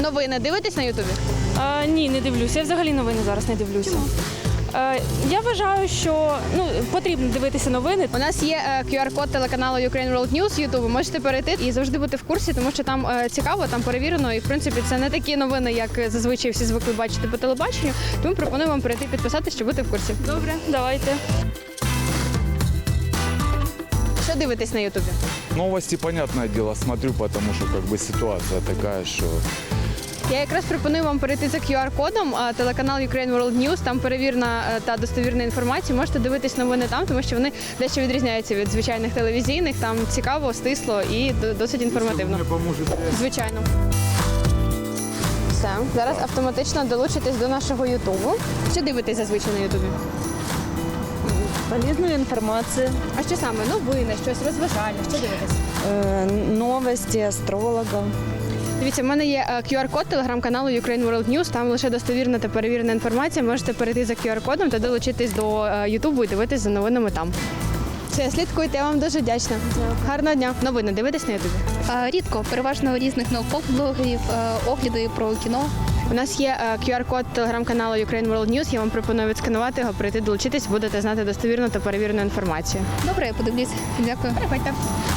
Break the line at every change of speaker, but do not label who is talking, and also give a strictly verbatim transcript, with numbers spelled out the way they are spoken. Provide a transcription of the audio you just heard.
Новини дивитесь на Ютубі?
А, ні, не дивлюся. Я взагалі новини зараз не дивлюся.
Чому?
А, я вважаю, що ну, потрібно дивитися новини.
У нас є е, кю ар-код телеканалу Ukraine World News Ютубу. Можете перейти і завжди бути в курсі, тому що там е, цікаво, там перевірено. І в принципі це не такі новини, як зазвичай всі звикли бачити по телебаченню. Тому пропоную вам перейти підписатися, щоб бути в курсі.
Добре, давайте.
Що дивитесь на Ютубі?
Новости, понятное дело, смотрю, потому что как бы ситуация такая, что
Я якраз пропоную вам перейти за кю ар-кодом, а, телеканал Ukraine World News, там перевірена е, та достовірна інформація. Можете дивитись новини там, тому що вони дещо відрізняються від звичайних телевізійних. Там цікаво, стисло і д- досить інформативно.
мне поможет.
Звичайно. Все, зараз автоматично долучитесь до нашого Ютубу. Що дивитесь зазвичай на Ютубі?
Полезную информацию,
А що саме? Новини, щось розважальне, що дивитесь?
э, новости астрологов.
Дивіться, в мене є е, кю ар-код телеграм-каналу Ukraine World News, там лише достовірна та перевірена інформація. Можете перейти за кю ар-кодом та долучитись до е, Ютубу і дивитись за новинами там. Все, слідкуйте, я вам дуже вдячна. Гарного дня. Новини дивитесь на Ютубі?
А, Рідко, переважно різних наукових блогерів, е, огляди про кіно.
У нас є е, кю ар-код телеграм-каналу Ukraine World News, я вам пропоную відсканувати його, прийти долучитись, будете знати достовірну та перевірену інформацію.
Добре, я подивлюсь. Дякую.
Переходьте.